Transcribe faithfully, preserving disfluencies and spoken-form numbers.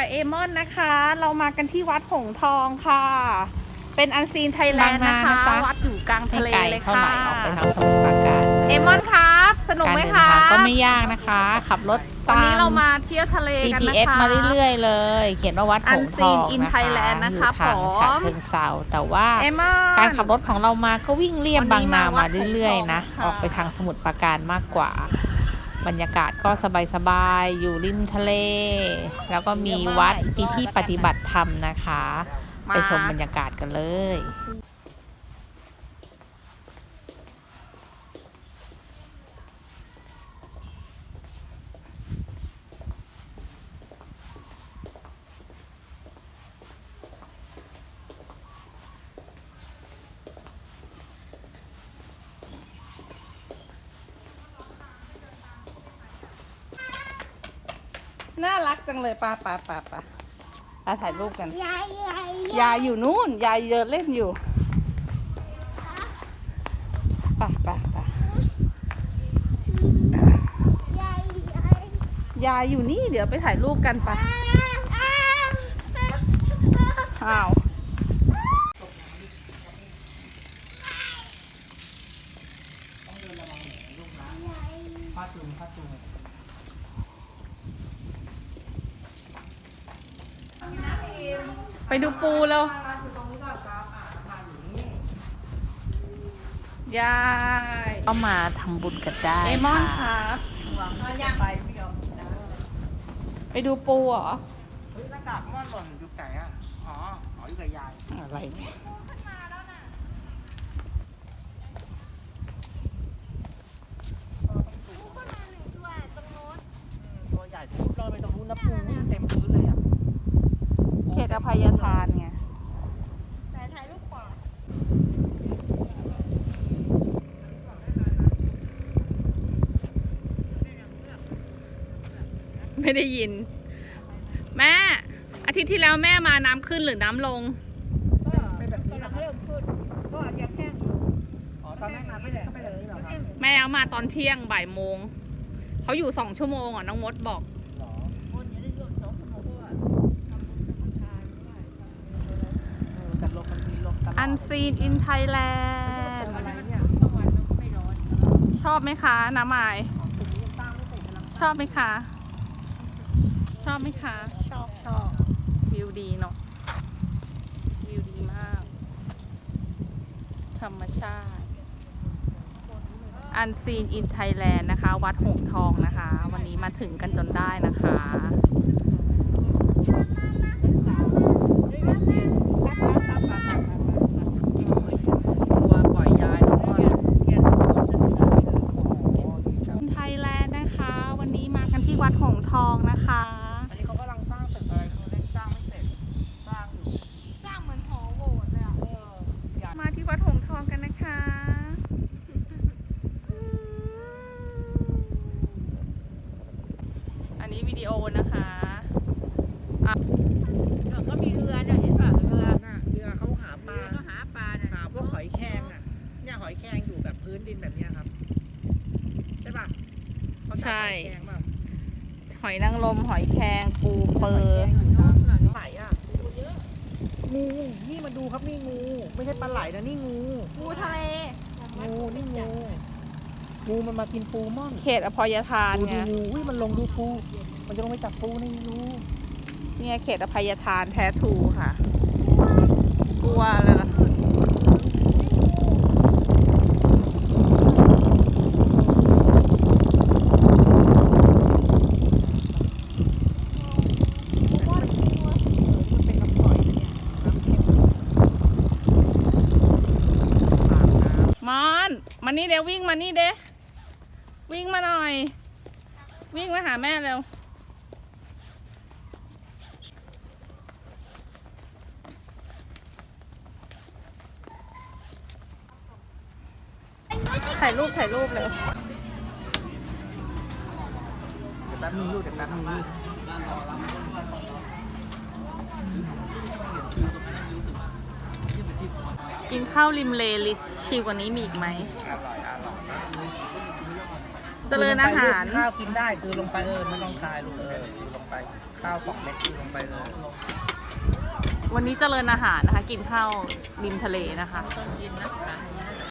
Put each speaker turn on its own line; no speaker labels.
กับเอมอนนะคะ เรามากันที่วัดหงส์ทองค่ะ เป็นอันซีนไทยแลนด์นะคะวัดอยู่กลางทะเลเลยค่ะ
ออกไปทางสมุทรปราการ
เอมอนครับสนุกไหมคะ
ก็ไม่ยากนะคะ ขับรถตาม
วันนี้เรามาเที่ยวทะเลกันนะคะ
จี พี เอส มาเรื่อยๆเลย เขียนว่าวัดหงส์ทอง
Unseen in
นะคะ
Thailand นะคะ
อยู่ทางฉะเชิงเทราแต่ว่าการขับรถของเรามาก็วิ่งเลียบบางนามาเรื่อยๆนะออกไปทางสมุทรปราการมากกว่าบรรยากาศก็สบายๆอยู่ริมทะเล แล้วก็มีวัดมีที่ปฏิบัติธรรมนะคะไปชมบรรยากาศกันเลย
น่ารักจังเลยป้าป้าป้าป้ามาถ่ายรูปกัน
ยายยาย
ยายอยู่นู่นยายเดินเล่นอยู่ป่ะป่ะป่ะ
ยายยาย
ยายอยู่นี่เดี๋ยวไปถ่ายรูปกันป่ะอ้าวไปดูปูแล้วยาย
ก็มาทำบุญกันได้
เอมอนครับไปดูปูเหรอ
เฮ้ยหน้ากากม่อนหล่นอยู่ไหนอ่ะ อ๋อ อ๋ออยู่กับยาย
อะไรเนี่ย
ตัวใหญ่ปุ๊บลอยไปตรงนู้นนะปูวิ่งเต็มพื้นเลยอ่ะ
เขตอภัยทานไง
ถ่ายถ่ายรูปก่อน
ไม่ได้ยิน แม่ อาทิตย์ที่แล้วแม่มาน้ำขึ้นหรือน้ำลง
เป็นแบบนี้
กำลั
นะ
งเริ่มขึ้นก็ยังแห้ง
อ๋อ ตอนแรกน้ำไม่แรงก็ไปเลยเหรอครับ
แม่เอามาตอนเที่ยงบ่ายโมง เขาอยู่สองชั่วโมงอ่ะน้องมดบอก
หรอ
คนอย่าได้หยุดสองชั่วโมงเพราะว่าทำบุญทำทานด้วย
เออแต่ลมมันมีลมตลอด
Unseen in Thailand
อะไรเนี่ย
ต้องวันต้องไม่ร้อน
ชอบไหมคะน้ำไม้
ถึงนี้ยังตั้งไม่เสร็จกำลัง
ชอบไหมคะ ชอบไหมคะ
ชอบชอบ
วิวดีเนาะ วิวดีมาก ธรรมชาติ Unseen in Thailand นะคะ วัดหงส์ทองนะคะ วันนี้มาถึงกันจนได้นะคะ
ตัวปล่อยยายแล้วก็เทียนโอ้โหดีจัง
ไทยแลนด์นะคะ วันนี้มากันที่วัดหงส์ทองนะคะ
อันนี้เขากำลังสร้างตึกอะไรเขาเล่นสร้างไม่เสร็จ สร้างอยู่
สร้างเหมือนหอโบสถ์เลยอ่ะ
เอออยาก
มาที่วัดหงส์ทองกันนะคะ อันนี้วิดีโอนะคะ
ก็มีเรือเนี่ยเห็นป่ะเรือ
น่ะเรือเขาหาปลา
เรือก็หาปลาเนี่ย
หาพวกหอยแครงอ่ะ เนี่ยหอยแครงอยู่แบบพื้นดินแบบเนี้ยครับ ใช่ป่ะเขาจับหอยแครงเปล่า
หอยนางรมหอยแครงปูเปอร์
ไหลอ่ะงู นี่มาดูครับนี่งู ไม่ใช่ปลาไหลนะนี่งู
งูทะเล
งูนี่งู งูมันมากินปูม่อน
เขตอภัยทาน
ดู
ไง
ดูงูอุ้ยมันลงดูปู มันจะลงไปจับปูในรู
เนี่ยเขตอภัยทานแท้ทรูค่ะ กลัวเลยล่ะ
มันเป็นน้ำปล่อยนะเนี่ยน้ำเค็มปากน้ำ
มอนมานี่เดี๋ยววิ่งมานี่เด้วิ่งมาหน่อย วิ่งมาหาแม่เร็ว ถ่ายรูปถ่ายรูปเลย
เดี๋ยวแป๊บนึงลูกเดี๋ยวแป๊บนึงลูก
กินข้าวริมเลลิชิวกว่านี้มีอีกไหม
อร่อยอร่อย
เจริญอาหาร
ข้าวกินได้คือลงไปเออไม่ต้องคายลูกเออลงไปข้าวสองเม็ดลงไปเลย
วันนี้เจริญอาหารนะคะ กินข้าวริมทะเลนะคะ
ต้นกินนะคะ